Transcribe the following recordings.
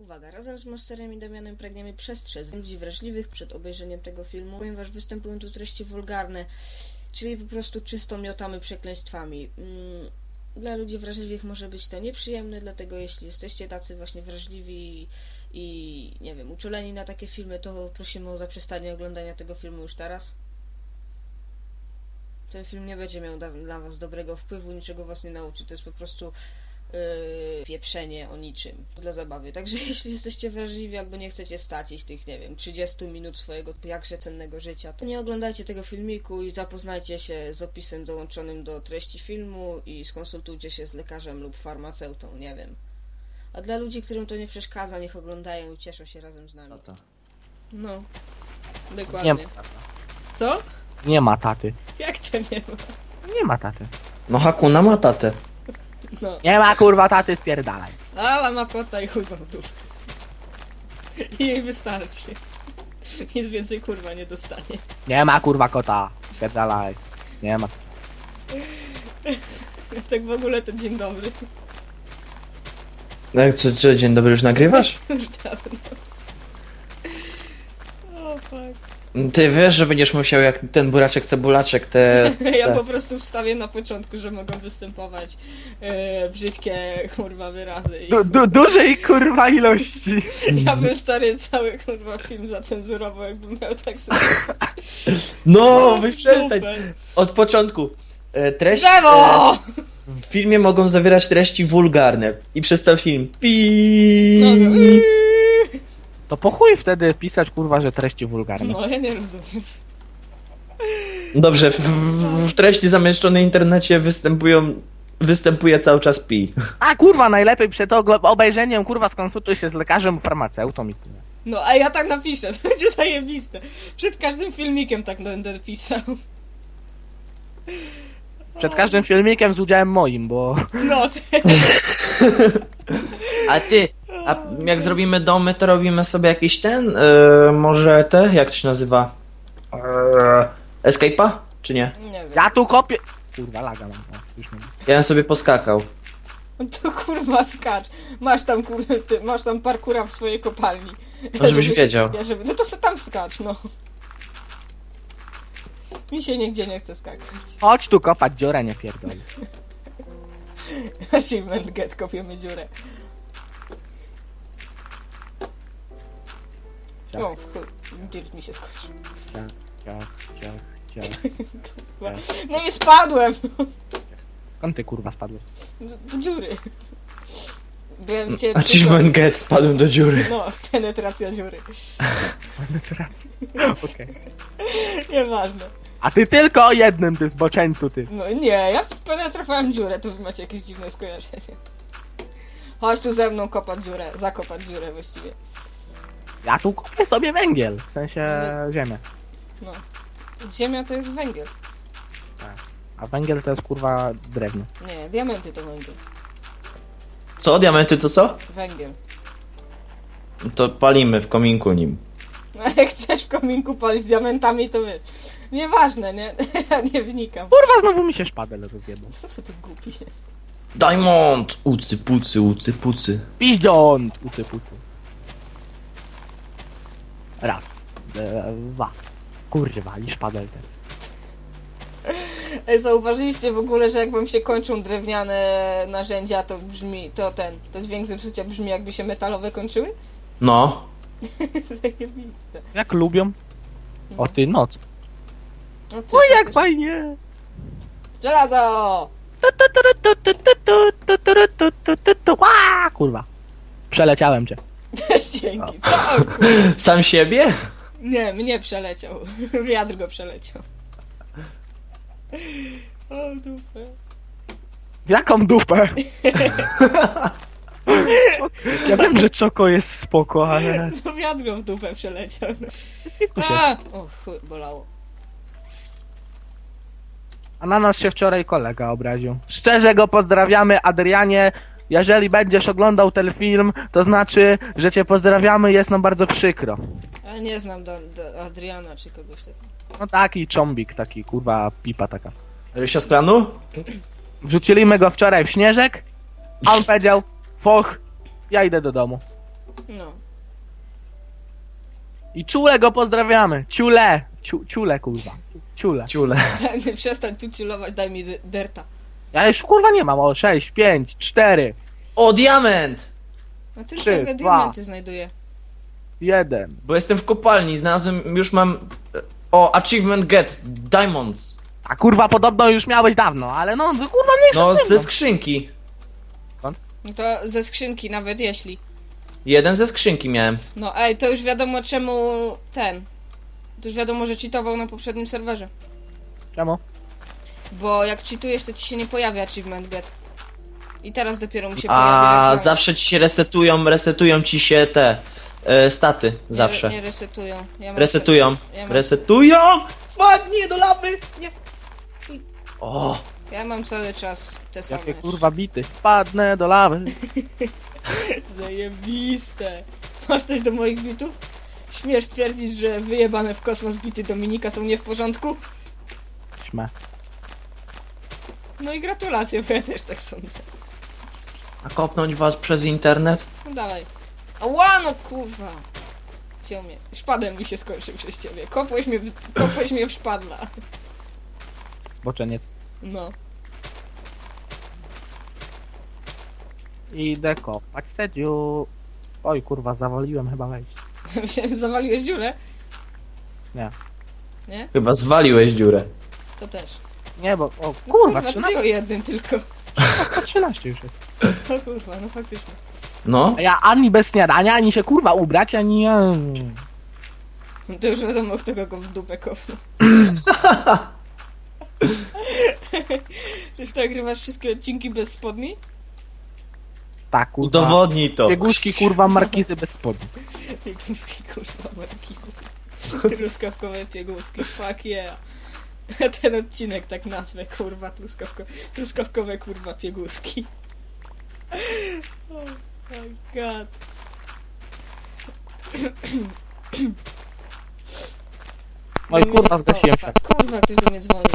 Uwaga, razem z Monsterem i Damianem pragniemy przestrzec ludzi wrażliwych przed obejrzeniem tego filmu, ponieważ występują tu treści wulgarne, czyli po prostu czysto miotamy przekleństwami. Dla ludzi wrażliwych może być to nieprzyjemne, dlatego jeśli jesteście tacy właśnie wrażliwi i nie wiem, uczuleni na takie filmy, to prosimy o zaprzestanie oglądania tego filmu już teraz. Ten film nie będzie miał dla was dobrego wpływu, niczego was nie nauczy, to jest po prostu pieprzenie o niczym dla zabawy. Także jeśli jesteście wrażliwi albo nie chcecie stracić tych, nie wiem, 30 minut swojego jakże cennego życia, to nie oglądajcie tego filmiku i zapoznajcie się z opisem dołączonym do treści filmu i skonsultujcie się z lekarzem lub farmaceutą, nie wiem. A dla ludzi, którym to nie przeszkadza, niech oglądają i cieszą się razem z nami. No, dokładnie. Nie ma taty. Co? Nie ma taty. Jak to nie ma? Nie ma taty. No Hakuna ma tatę. No. Nie ma kurwa taty, spierdalaj. Ale ma kota i chuj ma w dupę. I jej wystarczy. Nic więcej kurwa nie dostanie. Nie ma kurwa kota, spierdalaj. Nie ma. Tak w ogóle to dzień dobry. Jak co, dzień dobry, już nagrywasz? Już dawno. O fuck. Ty wiesz, że będziesz musiał jak ten buraczek cebulaczek Ja po prostu wstawię na początku, że mogą występować brzydkie kurwa wyrazy. I Dużej kurwa ilości. ja bym stary cały kurwa film zacenzurował, jakbym miał tak sobie. No, wy przestań. Dupę. Od początku. Treści Drzewo! w filmie mogą zawierać treści wulgarne. I przez cały film. Pi. No, no. To po chuj wtedy pisać kurwa, że treści wulgarne. No ja nie rozumiem. Dobrze, w treści zamieszczonej w internecie występuje cały czas pi. A kurwa, najlepiej przed obejrzeniem kurwa skonsultuj się z lekarzem, farmaceutą i tyle. No a ja tak napiszę, to będzie zajebiste. Przed każdym filmikiem tak będę pisał. Przed każdym filmikiem z udziałem moim, bo... No, A ty, a jak zrobimy domy, to robimy sobie jakiś ten, może jak to się nazywa? Escape'a? Czy nie? nie wiem. Ja tu kopię... Kurwa, laga mam. O, już nie. Ja bym sobie poskakał. To kurwa skacz. Masz tam kurde, masz tam parkura w swojej kopalni. No, żebyś wiedział. No to se tam skacz, no. Mi się nigdzie nie chce skakać. Chodź tu kopać dziurę, nie pierdolę. Achievement get, kopiemy dziurę. Ciach, O, chuj, dirt mi się skończył. ciach. Kurwa. No i spadłem! Skąd ty kurwa spadłeś? Do dziury. Byłem z ciebie. Achievement get, spadłem do dziury. No, penetracja dziury. Penetracja. Okej. Nieważne. A ty tylko o jednym, ty zboczeńcu, ty. No nie, ja penetrowałem dziurę, to wy macie jakieś dziwne skojarzenie. Chodź tu ze mną kopać dziurę, zakopać dziurę właściwie. Ja tu kopię sobie węgiel, w sensie ziemię. No. Ziemia to jest węgiel. A węgiel to jest kurwa drewno. Nie, diamenty to węgiel. Co? Diamenty to co? Węgiel. To palimy w kominku nim. No jak chcesz w kominku palić diamentami, to wy. Nieważne, nie? Ja nie wnikam. Kurwa, znowu mi się szpadel rozjebał. Co to głupi jest? Diamond! Ucy pucy, ucy pucy. Piździąt! Ucy pucy. Raz. Dwa. Kurwa, i szpadel ten. Ej, zauważyliście w ogóle, że jak wam się kończą drewniane narzędzia, to brzmi, to dźwięk zepsucia brzmi jakby się metalowe kończyły? No. Zajebiste. Jak lubią? O ty noc. No ty, O jak fajnie! Żelazo! Ła, kurwa. Przeleciałem cię. Dzięki. Co? O, kurwa. Sam siebie? Nie, mnie przeleciał. Wiatr go przeleciał. O dupę. Jaką dupę? Ja wiem, że czoko jest spoko, ale... No wiatr go w dupę przeleciał. Tu się... A! O chuj, bolało. A na nas się wczoraj kolega obraził. Szczerze go pozdrawiamy, Adrianie. Jeżeli będziesz oglądał ten film, to znaczy, że cię pozdrawiamy, jest nam bardzo przykro. Ja nie znam do Adriana czy kogoś takiego. No taki cząbik, taki kurwa pipa taka. Rysia z klanu? Wrzuciliśmy go wczoraj w śnieżek, a on powiedział, foch, ja idę do domu. No. I Ciule go pozdrawiamy. Ciule. Ciule, kurwa. Ciule. Ciule. Przestań tu ciulować, daj mi derta. Ja już kurwa nie mam. O, 6, 5, 4, O, diament! A ty 3, sobie 2. diamenty znajduje. 1. Bo jestem w kopalni, znalazłem, już mam... O, achievement get, diamonds. A kurwa podobno już miałeś dawno, ale no to kurwa mniejsza No, z tym. ze No. skrzynki. No to ze skrzynki nawet jeśli. Jeden ze skrzynki miałem. No ej, to już wiadomo czemu ten. To już wiadomo, że cheatował na poprzednim serwerze. Czemu? Bo jak cheatujesz, to ci się nie pojawia achievement get. I teraz dopiero mu się pojawia. jak A znalazł. zawsze ci się resetują ci się te staty, Nie, zawsze. Nie resetują. Ja mam Resetują, Ja mam- resetują! Fuck, nie, do lawy! Nie! O! Ja mam cały czas te same. Jakie kurwa bity. Wpadnę do lawy. Zajebiste. Masz coś do moich bitów? Śmiesz twierdzić, że wyjebane w kosmos bity Dominika są nie w porządku? Śmę. No i gratulacje, bo ja też tak sądzę. A kopnąć was przez internet? No dawaj. Ała, no kurwa. Wziął mnie. Szpadem mi się skończył przez ciebie. Kopłeś mnie w szpadla. Zboczeniec. No. Idę kopać sedziu. Oj kurwa, zawaliłem chyba wejść. Myślałem, że zawaliłeś dziurę. Nie. Nie? Chyba zwaliłeś dziurę. To też. Nie, bo... O No kurwa, ty o 13, jednym tylko. 13 już jest. O kurwa, no faktycznie. No? A ja ani bez śniadania, ani się kurwa ubrać, ani... No to już wiadomo, kto go w dupę kopnął. Czy nagrywasz wszystkie odcinki bez spodni? Tak kurwa. Udowodnij to. Bieguszki kurwa markizy bez spodni. Pieguski, kurwa, markizy. Truskawkowe pieguski, fuck yeah. Ten odcinek tak nazwę, kurwa, truskawkowe, kurwa, pieguski. Oh my god. Oj kurwa, zgasiłem się. Kurwa, ktoś do mnie dzwoni.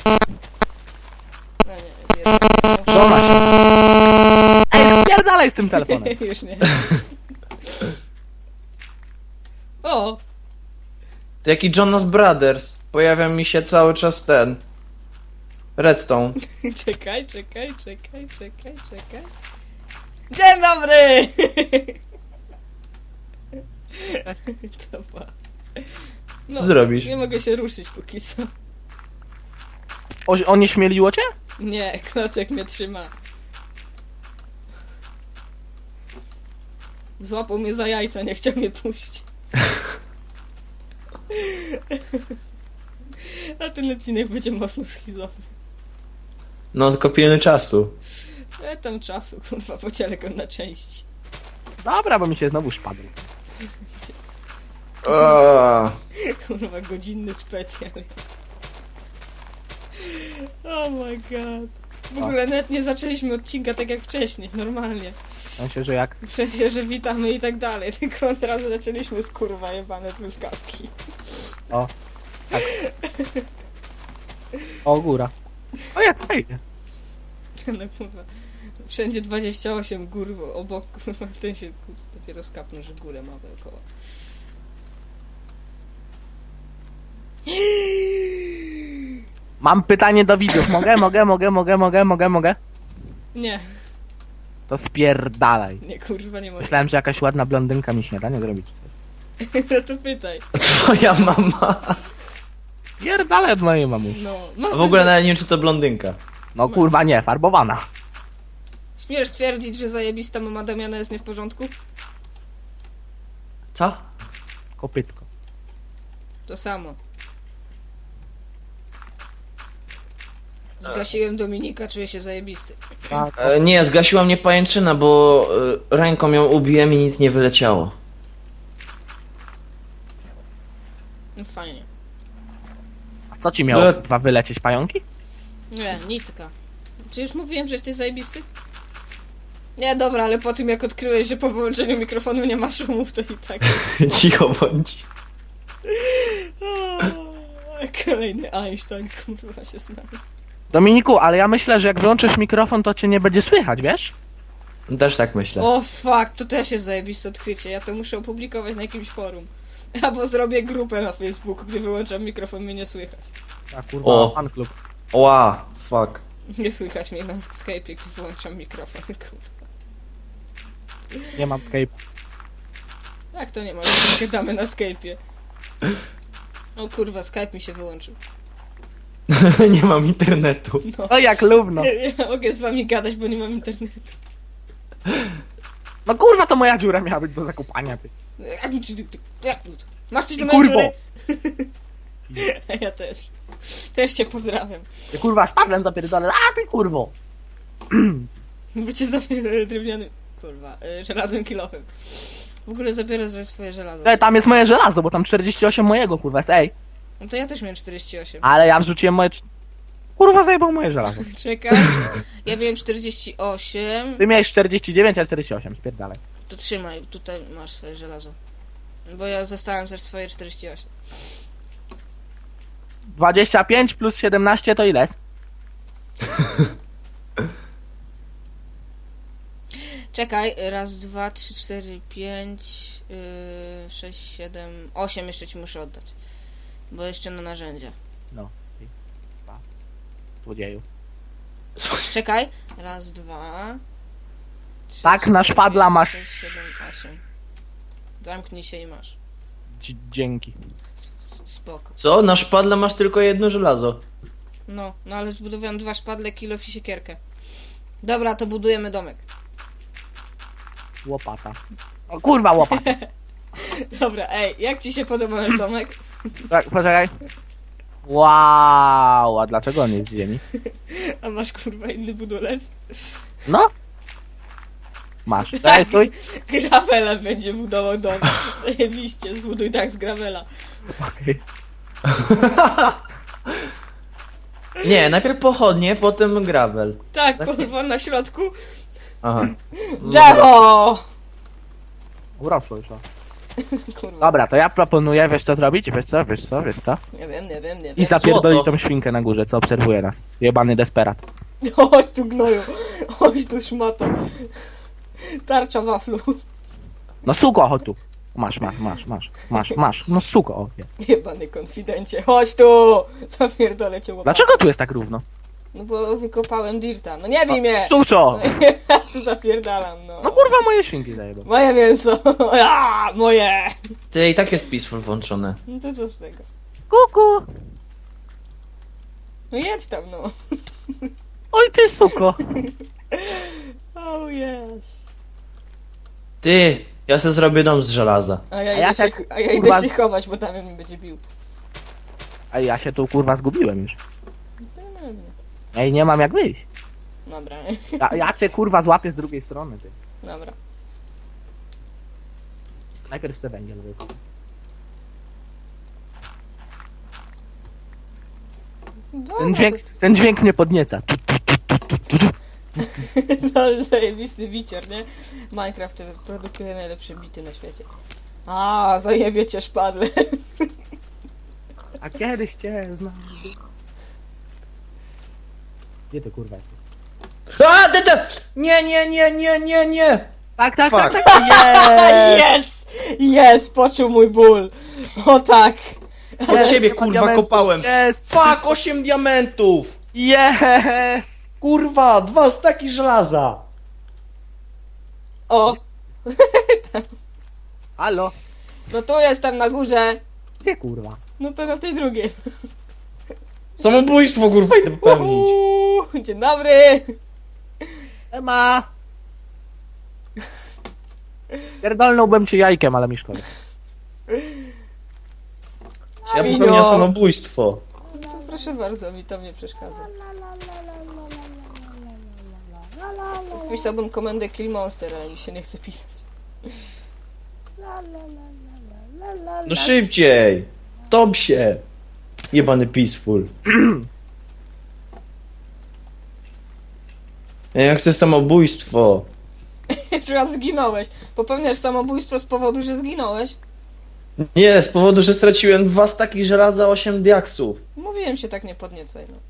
No nie, Żona się. Ej, spierdalaj z tym telefonem. Już nie. O! To jaki Jonas Brothers. Pojawia mi się cały czas ten. Redstone. Czekaj. Dzień dobry! Dobra. Co zrobisz? Nie mogę się ruszyć póki co. O nie śmieliło cię? Nie, klocek mnie trzyma. Złapał mnie za jajca, nie chciał mnie puścić. A ten odcinek będzie mocno schizowy. No tylko pilny czasu. Tam czasu, kurwa, podzielę go na części. Dobra, bo mi się znowu szpadł. Kurwa, godzinny specjal. Oh my god. W ogóle nawet nie zaczęliśmy odcinka tak jak wcześniej, normalnie. W sensie, że jak... W sensie, że witamy i tak dalej, tylko od razu zaczęliśmy z kurwa jebane truskawki. O. Tak. O, góra. O, jak fajnie. No kurwa, wszędzie 28 gór obok, kurwa, ten się kurwa, dopiero skapnął, że górę ma dookoła. Mam pytanie do widzów. Mogę? Nie, To spierdalaj. nie kurwa, nie mogę. Myślałem, że jakaś ładna blondynka mi śniadanie zrobić. No to pytaj. Twoja mama. Spierdalaj od mojej mamusi. No, masz A w ogóle coś nawet nie wiem, czy to blondynka. No kurwa nie, farbowana. Śmiesz twierdzić, że zajebista mama Damiana jest nie w porządku? Co? Kopytko. To samo. Zgasiłem Dominika, czuję się zajebisty. Tak. Nie, zgasiła mnie pajęczyna, bo ręką ją ubiłem i nic nie wyleciało. No fajnie. A co ci miało dwa wylecieć pająki? Nie, nitka. Czy już mówiłem, że jesteś zajebisty? Nie, dobra, ale po tym jak odkryłeś, że po wyłączeniu mikrofonu nie ma szumów, to i tak. Cicho bądź. O, kolejny Einstein, kurwa się znamy. Dominiku, ale ja myślę, że jak wyłączysz mikrofon, to cię nie będzie słychać, wiesz? Też tak myślę. O fuck, to też jest zajebiste odkrycie. Ja to muszę opublikować na jakimś forum. Albo zrobię grupę na Facebooku, gdzie wyłączam mikrofon, mnie nie słychać. A kurwa, O. fanklub. Ła, fuck. Nie słychać mnie na Skype'ie, gdy wyłączam mikrofon, kurwa. Nie mam Skype. Jak to nie ma? Gadamy na Skype'ie. O kurwa, Skype mi się wyłączył. Nie mam internetu. No jak lówno. Ja mogę z wami gadać, bo nie mam internetu. No kurwa, to moja dziura miała być do zakupania, ty. Masz coś do I mojej kurwo. dziury? Ja też. Też cię pozdrawiam. Ty kurwa, szpadlem zapierdolę. A ty kurwo. Bo cię zabiorę drewnianym... Kurwa, żelaznym kilofem. W ogóle zabiorę sobie swoje żelazo. Tam jest moje żelazo, bo tam 48 mojego kurwa jest, ej. No to ja też miałem 48. Ale ja wrzuciłem moje... Kurwa, zajebał moje żelazo. Czekaj. Ja miałem 48. Ty miałeś 49, a 48, spierdalaj. To trzymaj, tutaj masz swoje żelazo. Bo ja zostałem też swoje 48. 25 plus 17 to ile jest? Czekaj, raz, dwa, trzy, cztery, pięć, 6, 7, 8 jeszcze ci muszę oddać. Bo jeszcze na narzędzia. No. Dwa. Złodzieju. Czekaj, raz, dwa, trzy, Tak, na cztery, szpadla pięć, masz. 6, 7, 8. Zamknij się i masz. Dzięki. Spoko. Co? Na szpadle masz tylko jedno żelazo. No ale zbudowałem 2 szpadle, kilof i siekierkę. Dobra, to budujemy domek. Łopata. O kurwa, łopata. Dobra, ej, jak ci się podoba nasz domek? Tak, poczekaj. Wow, a dlaczego on jest z ziemi? A masz kurwa inny budulec? No. Masz. Daj, stój. Gravela będzie budował dom. Zajebiście, zbuduj tak z gravela. Okej. Nie, najpierw pochodnie, potem gravel. Tak, kurwa, na środku. Aha. Drzewo! Urosło już. O. Kurwa, Dobra, to ja proponuję, wiesz co zrobić? Wiesz co? nie wiem. I zapierdolić Złoto. tą świnkę na górze, co obserwuje nas. Jebany desperat. Chodź tu gnoju, chodź tu szmato. Tarcza waflu. No suko, chodź tu. Masz. No suko, o. Nie. Jebany konfidencie, chodź tu! Zapierdolę cię łopatą. Dlaczego tu jest tak równo? No bo wykopałem dirta, no nie bij mnie! Suczo! Ja tu zapierdalam, no. No kurwa, moje świnki zajebą. Moje mięso! A, moje! Ty i tak jest peaceful włączone. No to co z tego? Kuku! No jedź tam, no. Oj ty suko! Oh yes. Ty, ja sobie zrobię dom z żelaza. A ja, A ja idę, tak, się, a ja kurwa- idę się chować, bo tam mnie będzie bił. A ja się tu kurwa zgubiłem już. To nie wiem. Ej, nie mam jak wyjść. Dobra, Ja cię kurwa złapię z drugiej strony, ty. dobra. Najpierw chcę węgiel wykupić. Dobra, Ten dźwięk mnie podnieca. No zajebisty bicior, nie? Minecraft produkuje najlepsze bity na świecie. A, zajebie cię szpadle. A kiedyś cię znam. Gdzie ty kurwa jesteś? A, ty! Nie! Tak, Fuck. Jest! Jest! Poczuł mój ból. O tak! Od ciebie nie ma kurwa diamentów. kopałem. Jest! Fuck, 8 diamentów! Jest! Kurwa, 2 staki żelaza. O! Halo? No tu jestem na górze. Gdzie kurwa? No to na tej drugiej. Samobójstwo kurwa idę popełnić. Dzień dobry! Ema! Pierdolnąłbym ci jajkiem, ale mi szkoda. Ja Minio. popełniam samobójstwo. To proszę bardzo, mi to nie przeszkadza. Pisałbym komendę Kill Monster, ale mi się nie chce pisać. No szybciej. Top się. Jebany peaceful. Ja chcę samobójstwo. Jeszcze raz zginąłeś. Popełniasz samobójstwo z powodu, że zginąłeś? Nie, z powodu, że straciłem 2 staki żelaza, 8 diaksów. Mówiłem się tak nie podniecaj, no.